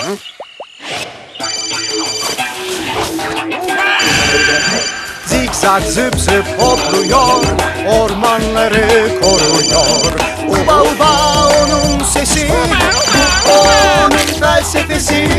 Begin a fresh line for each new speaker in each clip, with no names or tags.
Zikzak zıp zıp hopluyor, ormanları koruyor. Uba uba onun sesi, bu onun felsefesi.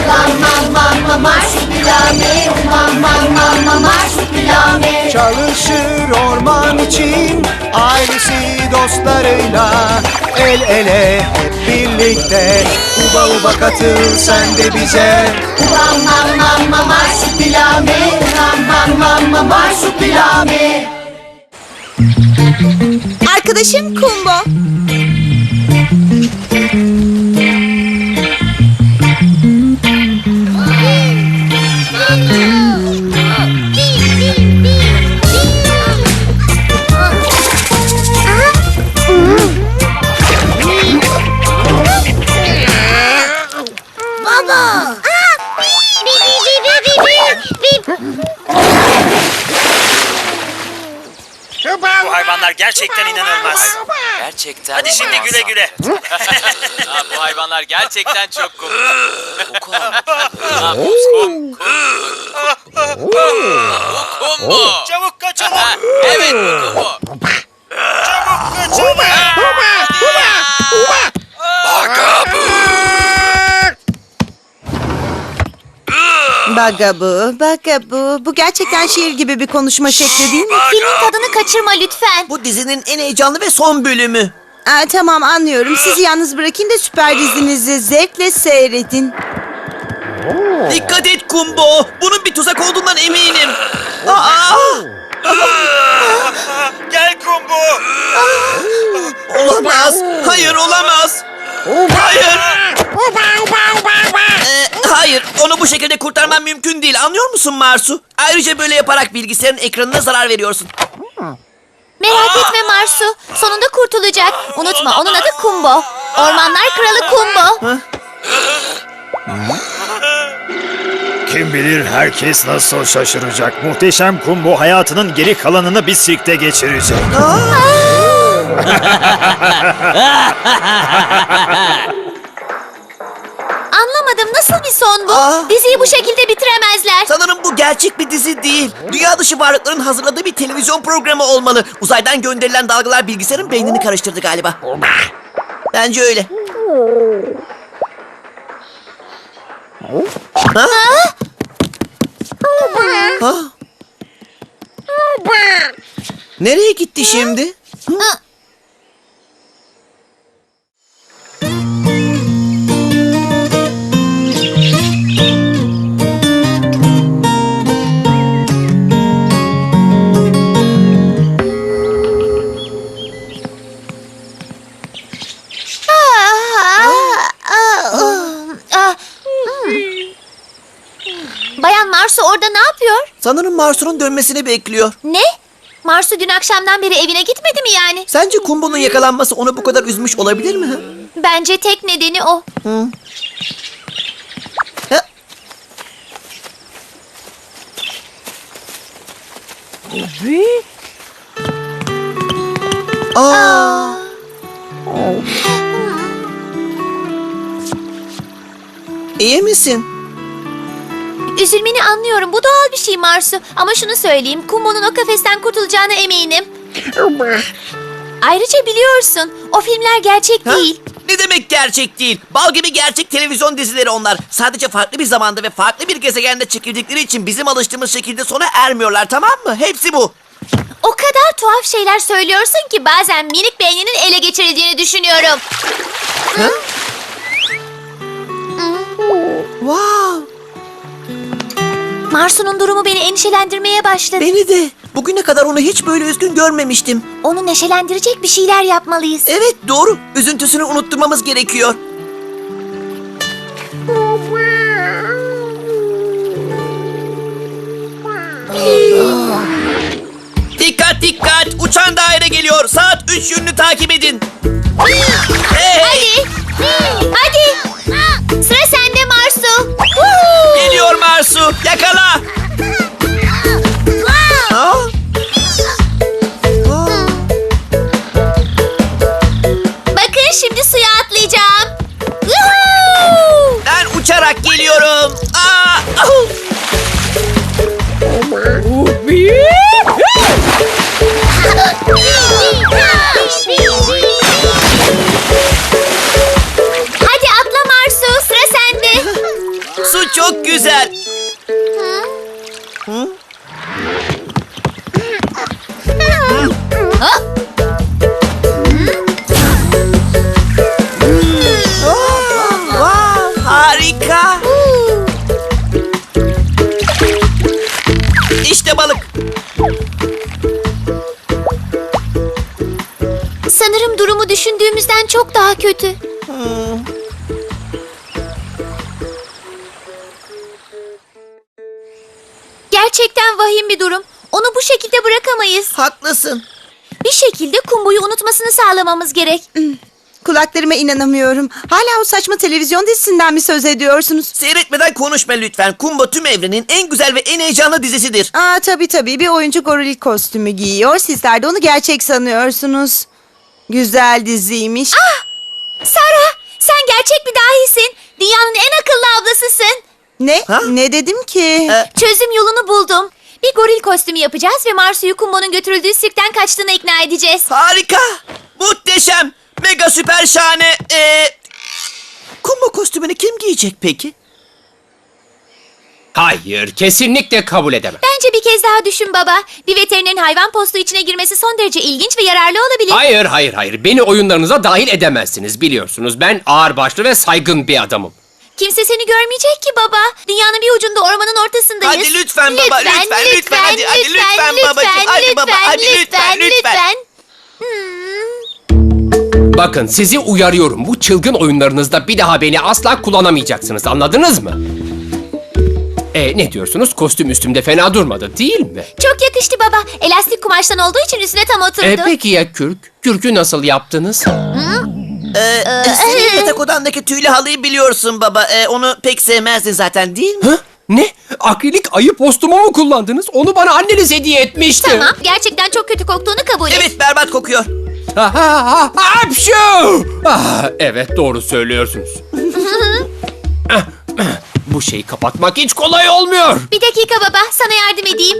Marsupilami, marsupilami.
Çalışır orman için, ailesi dostlarıyla. El ele hep birlikte, uba uba katıl sen de bize.
Marsupilami, marsupilami.
Arkadaşım Kumbo.
Baba.
Bu hayvanlar gerçekten inanılmaz.
Gerçekten.
Hadi şimdi güle güle.
Bu hayvanlar gerçekten çok komik. Kumbo.
Çabuk kaçalım.
Evet bu Kumbo.
Çabuk kaçalım.
Bagabu. Bu gerçekten şiir gibi bir konuşma şekli değil mi?
Filmin tadını kaçırma lütfen.
Bu dizinin en heyecanlı ve son bölümü.
Tamam anlıyorum. Sizi yalnız bırakayım da süper dizinizi zevkle seyredin.
Dikkat et Kumbo. Bunun bir tuzak olduğundan eminim. Aa!
Gel Kumbo.
Olamaz. Hayır olamaz. Hayır. Hayır. Onu bu şekilde kurtarmam mümkün değil. Anlıyor musun Marsu? Ayrıca böyle yaparak bilgisayarın ekranına zarar veriyorsun.
Merak etme Marsu. Sonunda kurtulacak. Unutma onun adı Kumbo. Ormanlar Kralı Kumbo.
Kim bilir herkes nasıl şaşıracak. Muhteşem Kumbo hayatının geri kalanını bir sirkte geçirecek.
Anlamadım, nasıl bir son bu? Diziyi bu şekilde bitiremezler.
Sanırım bu gerçek bir dizi değil. Dünya dışı varlıkların hazırladığı bir televizyon programı olmalı. Uzaydan gönderilen dalgalar bilgisayarın beynini karıştırdı galiba. Bence öyle. Ha? Ha? Nereye gitti şimdi?
Bayan Marsu orada ne yapıyor?
Sanırım Marsu'nun dönmesini bekliyor.
Ne? Marsu dün akşamdan beri evine gitmedi mi yani?
Sence Kumbo'nun yakalanması onu bu kadar üzmüş olabilir mi?
Bence tek nedeni o.
Ha? Aa. İyi misin?
Üzülmeni anlıyorum. Bu doğal bir şey Marsu. Ama şunu söyleyeyim. Kumbo'nun o kafesten kurtulacağına eminim. Ayrıca biliyorsun, o filmler gerçek
Ha?
değil.
Ne demek gerçek değil? Bal gibi gerçek televizyon dizileri onlar. Sadece farklı bir zamanda ve farklı bir gezegende çekildikleri için bizim alıştığımız şekilde sona ermiyorlar, tamam mı? Hepsi bu.
O kadar tuhaf şeyler söylüyorsun ki bazen minik beyninin ele geçirildiğini düşünüyorum.
Wow.
Marsu'nun durumu beni endişelendirmeye başladı.
Beni de. Bugüne kadar onu hiç böyle üzgün görmemiştim.
Onu neşelendirecek bir şeyler yapmalıyız.
Evet, doğru. Üzüntüsünü unutturmamız gerekiyor. Dikkat dikkat! Uçan daire geliyor. Saat 3 yönünü takip edin. Hey!
Hadi. Sıra sende Marsu.
Geliyor Marsu. Yakala. Ha?
Bakın şimdi suya atlayacağım.
Ben uçarak olarak geliyorum. Ahu!
Hadi atla Marsu, sıra sende.
Su çok güzel. Wow, harika. İşte balık.
Sanırım durumu düşündüğümüzden çok daha kötü. Gerçekten vahim bir durum. Onu bu şekilde bırakamayız.
Haklısın.
Bir şekilde Kumbo'yu unutmasını sağlamamız gerek.
Kulaklarıma inanamıyorum. Hala o saçma televizyon dizisinden mi söz ediyorsunuz?
Seyretmeden konuşma lütfen. Kumbo tüm evrenin en güzel ve en heyecanlı dizisidir.
Tabii bir oyuncu goril kostümü giyiyor. Sizler de onu gerçek sanıyorsunuz. Güzel diziymiş.
Sara, sen gerçek bir dahisin. Dünyanın en akıllı ablasısın.
Ne?
Ha?
Ne dedim ki?
Çözüm yolunu buldum. Bir goril kostümü yapacağız ve Marsu'yu Kumbo'nun götürüldüğü sirkten kaçtığına ikna edeceğiz.
Harika. Muhteşem. Mega süper şahane. Kumbo kostümünü kim giyecek peki?
Hayır, kesinlikle kabul edemem.
Bence bir kez daha düşün baba. Bir veterinerin hayvan postu içine girmesi son derece ilginç ve yararlı olabilir.
Hayır. Beni oyunlarınıza dahil edemezsiniz biliyorsunuz. Ben ağırbaşlı ve saygın bir adamım.
Kimse seni görmeyecek ki baba. Dünyanın bir ucunda ormanın ortasındayız.
Hadi lütfen baba, lütfen, hadi lütfen babacığım, hadi baba, hadi lütfen.
Bakın sizi uyarıyorum. Bu çılgın oyunlarınızda bir daha beni asla kullanamayacaksınız. Anladınız mı? Ne diyorsunuz? Kostüm üstümde fena durmadı değil mi?
Çok yakıştı baba. Elastik kumaştan olduğu için üstüne tam oturdu.
Peki ya kürk? Kürkü nasıl yaptınız?
Senin yatak odandaki tüylü halıyı biliyorsun baba. Onu pek sevmezdin zaten değil mi?
Hı? Ne? Akrilik ayı postumu mu kullandınız? Onu bana anneniz hediye etmişti.
Tamam, gerçekten çok kötü koktuğunu kabul et.
Evet, berbat kokuyor.
Hapşu! Evet doğru söylüyorsunuz. Bu şeyi kapatmak hiç kolay olmuyor.
Bir dakika baba, sana yardım edeyim.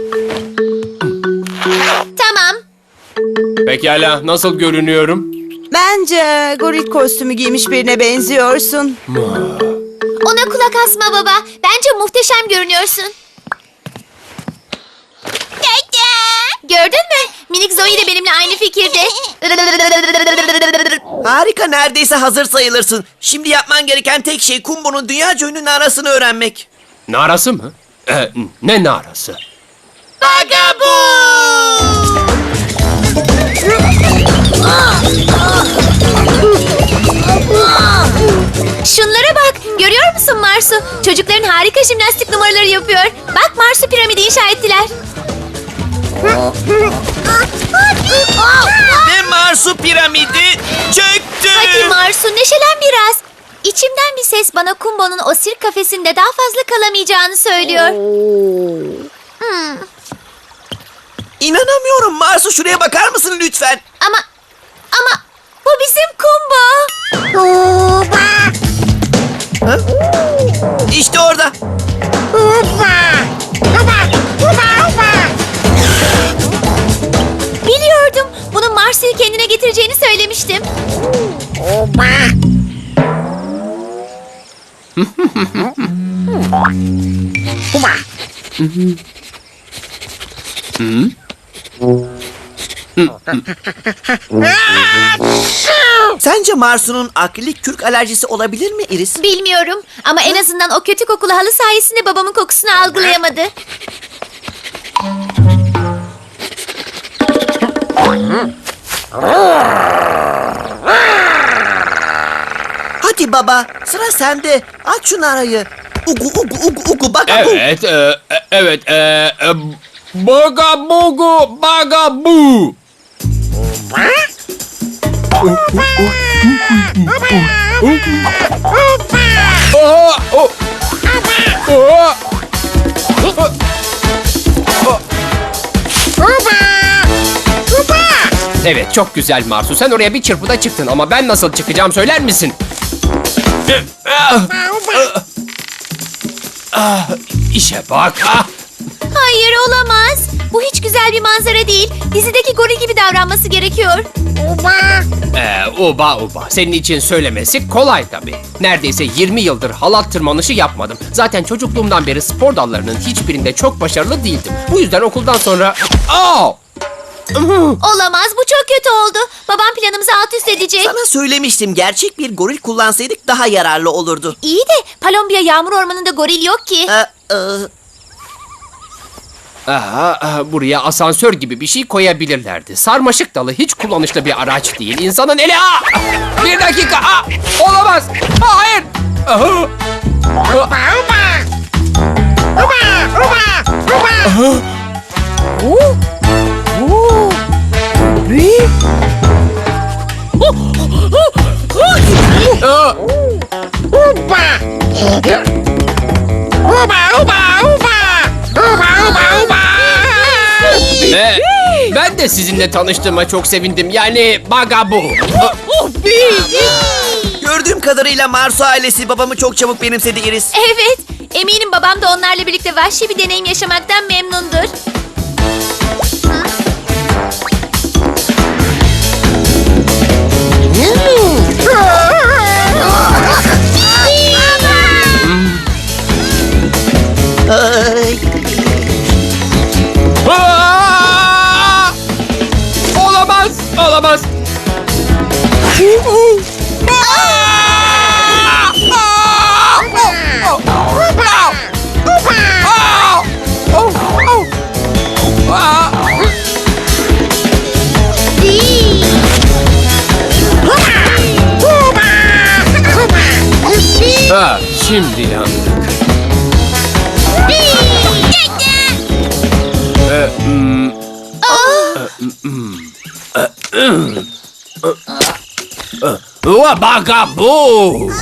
Tamam.
Pekala nasıl görünüyorum?
Bence goril kostümü giymiş birine benziyorsun.
Ona kulak asma baba. Bence muhteşem görünüyorsun. Gördün mü? Minik Zoe de benimle aynı fikirde.
Harika, neredeyse hazır sayılırsın. Şimdi yapman gereken tek şey Kumbo'nun dünyaca ünlü narasını öğrenmek.
Narası mı? Ne narası?
Bagabu!
Şunlara bak. Görüyor musun Marsu? Çocukların harika jimnastik numaraları yapıyor. Bak Marsu piramidi inşa ettiler.
Ve Marsu piramidi çöktü.
Hadi Marsu neşelen biraz. İçimden bir ses bana Kumbo'nun o sirk kafesinde daha fazla kalamayacağını söylüyor.
İnanamıyorum Marsu, şuraya bakar mısın lütfen?
Ama bu bizim Kumbo.
İşte orada.
Biliyordum. Bunun Marsu'yu kendine getireceğini söylemiştim.
Sence Marsu'nun akrilik kürk alerjisi olabilir mi Iris?
Bilmiyorum ama en azından o kötü kokulu halı sayesinde babamın kokusunu algılayamadı.
Hadi baba, sıra sende. Aç şu narayı. Ugu bagabu.
Evet, bagabu. Evet çok güzel Marsu. Sen oraya bir çırpıda çıktın ama ben nasıl çıkacağım söyler misin? İşe bak.
Hayır olamaz. Bu hiç güzel bir manzara değil. Dizideki goril gibi davranması gerekiyor.
Uba uba. Senin için söylemesi kolay tabii. Neredeyse 20 yıldır halat tırmanışı yapmadım. Zaten çocukluğumdan beri spor dallarının hiçbirinde çok başarılı değildim. Bu yüzden okuldan sonra...
Olamaz, bu çok kötü oldu. Babam planımızı alt üst edecek.
Sana söylemiştim, gerçek bir goril kullansaydık daha yararlı olurdu.
İyi de Palombiya yağmur ormanında goril yok ki.
Buraya asansör gibi bir şey koyabilirlerdi. Sarmaşık dalı hiç kullanışlı bir araç değil. İnsanın eli... Bir dakika! Olamaz! Hayır! Ben de sizinle tanıştığıma çok sevindim. Yani Bagabu.
Gördüğüm kadarıyla Marsu ailesi babamı çok çabuk benimsedi Iris.
Evet, eminim babam da onlarla birlikte vahşi bir deneyim yaşamaktan memnundur.
Olamaz! Olamaz! Şimdi yandık. Bagabu!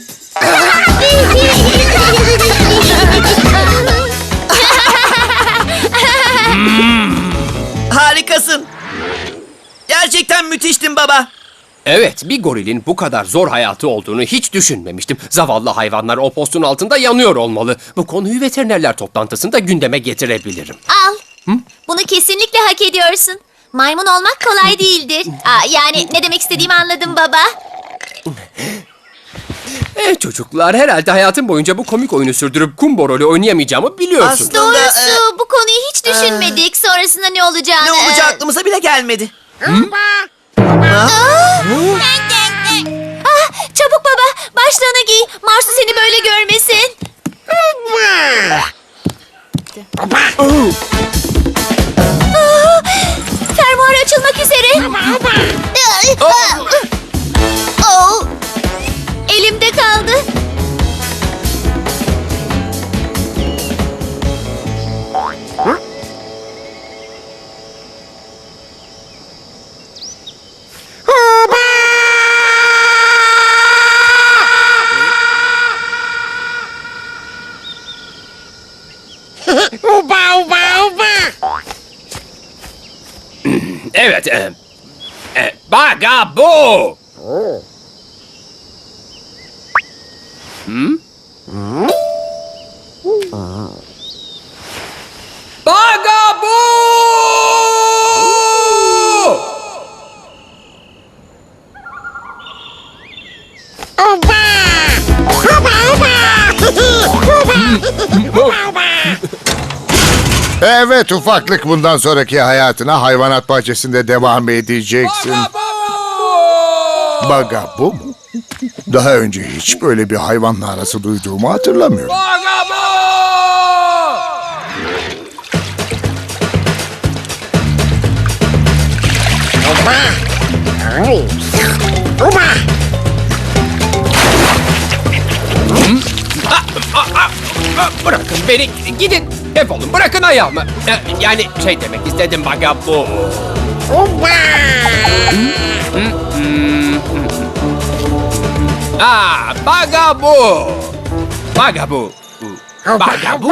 Harikasın. Gerçekten müthiştin baba.
Evet, bir gorilin bu kadar zor hayatı olduğunu hiç düşünmemiştim. Zavallı hayvanlar o postun altında yanıyor olmalı. Bu konuyu veterinerler toplantısında gündeme getirebilirim.
Al. Bunu kesinlikle hak ediyorsun. Maymun olmak kolay değildir. Yani ne demek istediğimi anladım baba.
Çocuklar, herhalde hayatım boyunca bu komik oyunu sürdürüp kumbo rolü oynayamayacağımı biliyorsun.
Doğrusu bu konuyu hiç düşünmedik. Sonrasında ne olacağını.
Ne olacağı aklımıza bile gelmedi.
Çabuk baba, başlığını giy. Marsu seni böyle görmesin. Fermuar açılmak üzere. Elimde kaldı.
Evet, Bagabu! Bagabu!
Evet ufaklık, bundan sonraki hayatına hayvanat bahçesinde devam edeceksin. Bagabu mu? Daha önce hiç böyle bir hayvanla arası duyduğumu hatırlamıyorum.
Bırakın beni, gidin. Defolun, bırakın ayağımı. Yani şey demek istedim Bagabu. Bagabu! Bagabu! Bagabu!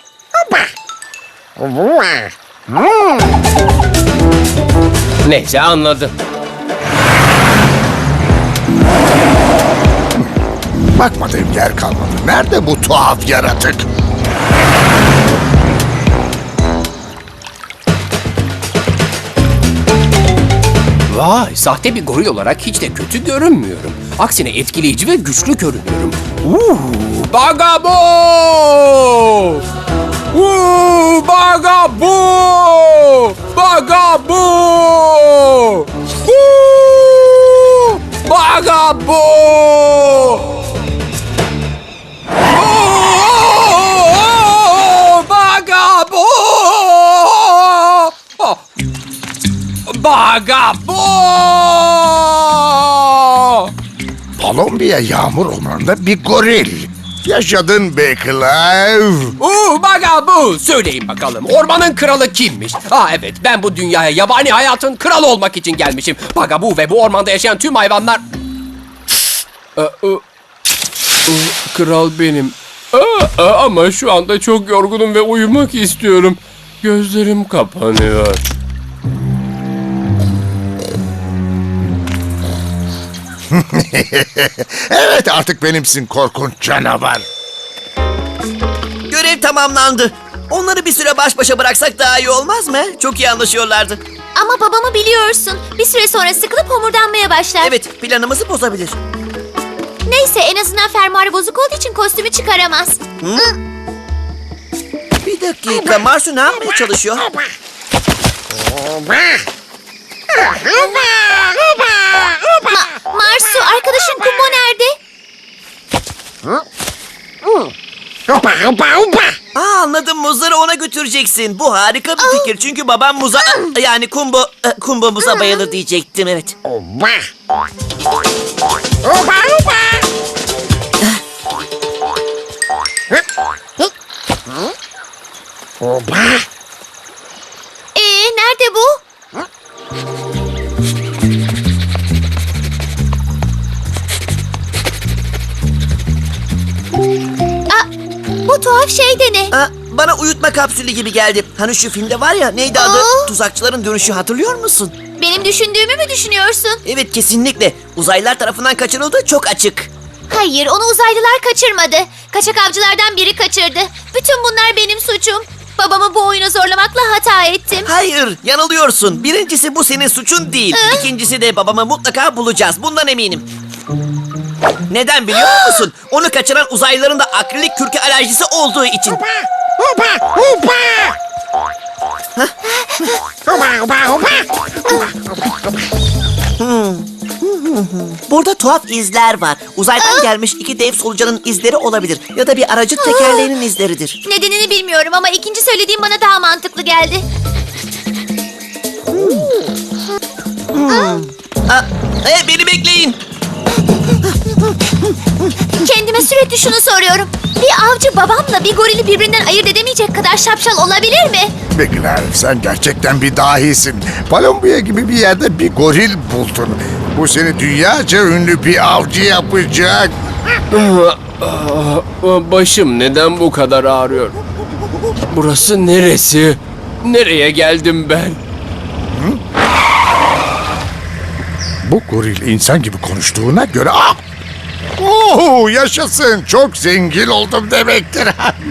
Neyse, anladım.
Bakmadığım yer kalmadı. Nerede bu tuhaf yaratık?
Vay, sahte bir goril olarak hiç de kötü görünmüyorum. Aksine etkileyici ve güçlü görünüyorum. Bagabo! Bagabo! Bagabo! Bagabo! Bagabo! Bagabo!
Kolombiya yağmur ormanında bir goril. Yaşadın be Clive.
Bagabo! Söyleyin bakalım, ormanın kralı kimmiş? Evet, ben bu dünyaya yabani hayatın kralı olmak için gelmişim. Bagabo ve bu ormanda yaşayan tüm hayvanlar... Kral benim. Ama şu anda çok yorgunum ve uyumak istiyorum. Gözlerim kapanıyor.
Evet, artık benimsin korkunç canavar.
Görev tamamlandı. Onları bir süre baş başa bıraksak daha iyi olmaz mı? Çok iyi anlaşıyorlardı.
Ama babamı biliyorsun. Bir süre sonra sıkılıp homurdanmaya başlar.
Evet, planımızı bozabilir.
Neyse, en azından fermuarı bozuk olduğu için kostümü çıkaramaz.
Bir dakika, Marsu ne yapmaya çalışıyor?
Marsu, arkadaşın Kumbo nerede?
Anladım, muzları ona götüreceksin. Bu harika bir fikir çünkü babam muza... Yani Kumbo muza bayılır diyecektim, evet.
Nerede bu? Bu tuhaf şey de ne?
Bana uyutma kapsülü gibi geldi. Hani şu filmde var ya, neydi adı? Tuzakçıların dönüşü, hatırlıyor musun?
Benim düşündüğümü mü düşünüyorsun?
Evet, kesinlikle. Uzaylılar tarafından kaçırıldığı çok açık.
Hayır, onu uzaylılar kaçırmadı. Kaçak avcılardan biri kaçırdı. Bütün bunlar benim suçum. Babamı bu oyuna zorlamakla hata ettim.
Hayır, yanılıyorsun. Birincisi bu senin suçun değil. İkincisi de babamı mutlaka bulacağız. Bundan eminim. Neden biliyor musun? Onu kaçıran uzaylıların da akrilik kürke alerjisi olduğu için. Burada tuhaf izler var. Uzaydan gelmiş iki dev solucanın izleri olabilir. Ya da bir aracın tekerleğinin izleridir.
Nedenini bilmiyorum ama ikinci söylediğim bana daha mantıklı geldi.
Beni bekleyin.
Kendime sürekli şunu soruyorum. Bir avcı babamla bir gorili birbirinden ayırt edemeyecek kadar şapşal olabilir mi?
Be Clive, sen gerçekten bir dahisin. Kolombiya gibi bir yerde bir goril buldun. Bu seni dünyaca ünlü bir avcı yapacak.
Başım neden bu kadar ağrıyor? Burası neresi? Nereye geldim ben?
Bu goril insan gibi konuştuğuna göre... yaşasın. Çok zengin oldum demektir.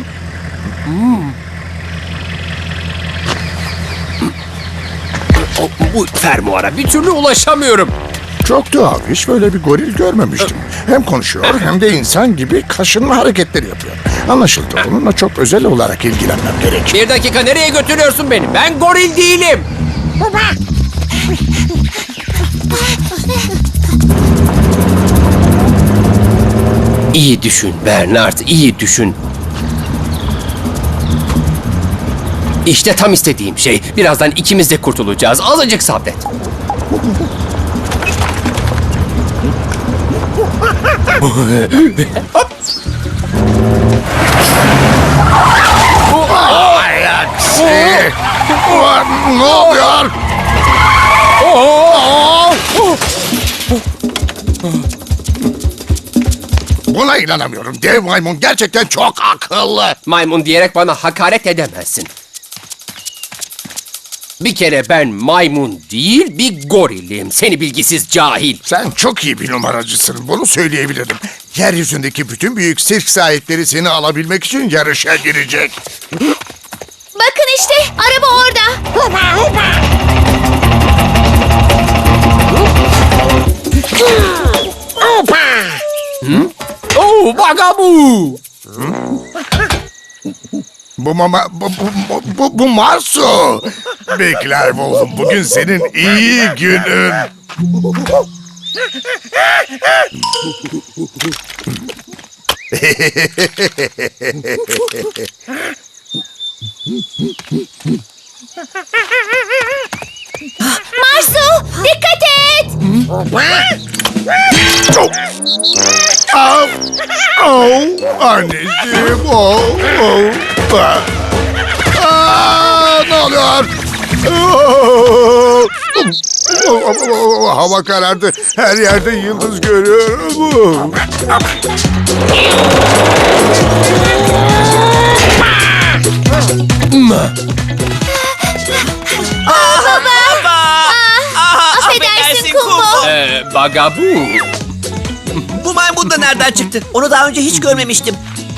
Bu fermuara bir türlü ulaşamıyorum.
Çok tuhaf. Hiç böyle bir goril görmemiştim. Hem konuşuyor hem de insan gibi kaşınma hareketleri yapıyor. Anlaşıldı. Onunla çok özel olarak ilgilenmem gerek.
Bir dakika, nereye götürüyorsun beni? Ben goril değilim. İyi düşün Bernard, iyi düşün. İşte tam istediğim şey. Birazdan ikimiz de kurtulacağız. Azıcık sabret.
Ay aksi! Ne oluyor? Buna inanamıyorum. Dev maymun gerçekten çok akıllı.
Maymun diyerek bana hakaret edemezsin. Bir kere ben maymun değil, bir gorilim. Seni bilgisiz cahil.
Sen çok iyi bir numaracısın. Bunu söyleyebilirim. Yeryüzündeki bütün büyük sirk sahipleri seni alabilmek için yarışa girecek.
Bakın işte, araba orada.
Oh, Bagabu!
Bu Marsu. Bekler oğlum, bugün senin iyi günün.
Marsu, dikkat et.
Au, au, anneciğim, ne oluyor? Hava karardı. Her yerde yıldız görüyorum.
Affedersin Kumbo.
Bagabu.
Bu maymun da nereden çıktı? Onu daha önce hiç görmemiştim.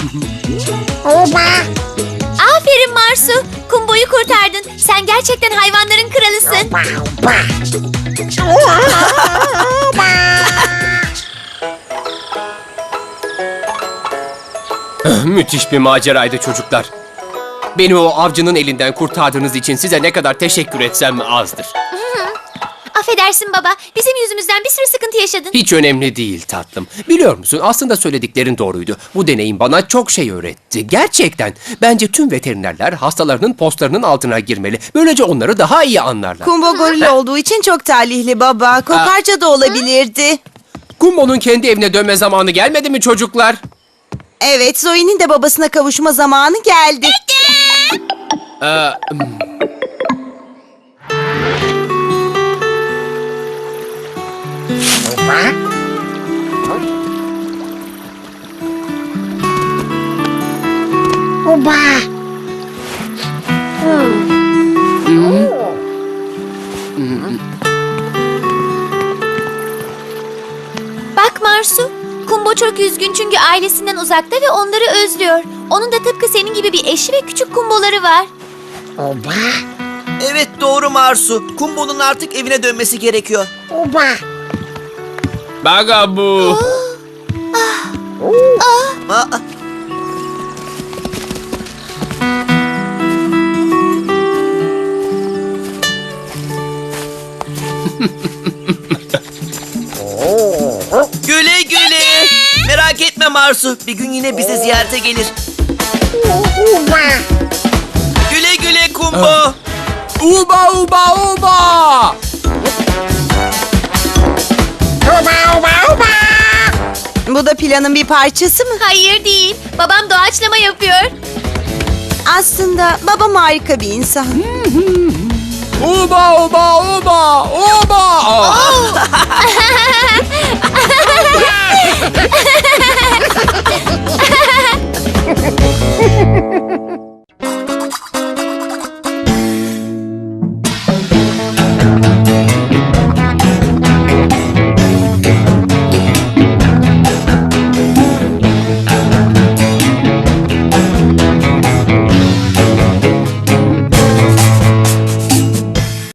Aferin Marsu. Kumbo'yu kurtardın. Sen gerçekten hayvanların kralısın.
Müthiş bir maceraydı çocuklar. Beni o avcının elinden kurtardığınız için size ne kadar teşekkür etsem azdır.
Affedersin baba. Bizim yüzümüzden bir sürü sıkıntı yaşadın.
Hiç önemli değil tatlım. Biliyor musun, aslında söylediklerin doğruydu. Bu deneyim bana çok şey öğretti. Gerçekten. Bence tüm veterinerler hastalarının postlarının altına girmeli. Böylece onları daha iyi anlarlar.
Kumbo goril olduğu için çok talihli baba. Kokarca da olabilirdi.
Kumbo'nun kendi evine dönme zamanı gelmedi mi çocuklar?
Evet, Zoe'nin de babasına kavuşma zamanı geldi.
Bak Marsu. Kumbo çok üzgün çünkü ailesinden uzakta ve onları özlüyor. Onun da tıpkı senin gibi bir eşi ve küçük kumboları var.
Evet doğru Marsu. Kumbo'nun artık evine dönmesi gerekiyor.
Bagabu.
Aa, güle güle. Merak etme Marsu. Bir gün yine bize ziyarete gelir. Güle güle Kumbo.
Uba uba uba.
Bu da planın bir parçası mı?
Hayır değil. Babam doğaçlama yapıyor.
Aslında babam harika bir insan.
Uba uba uba uba.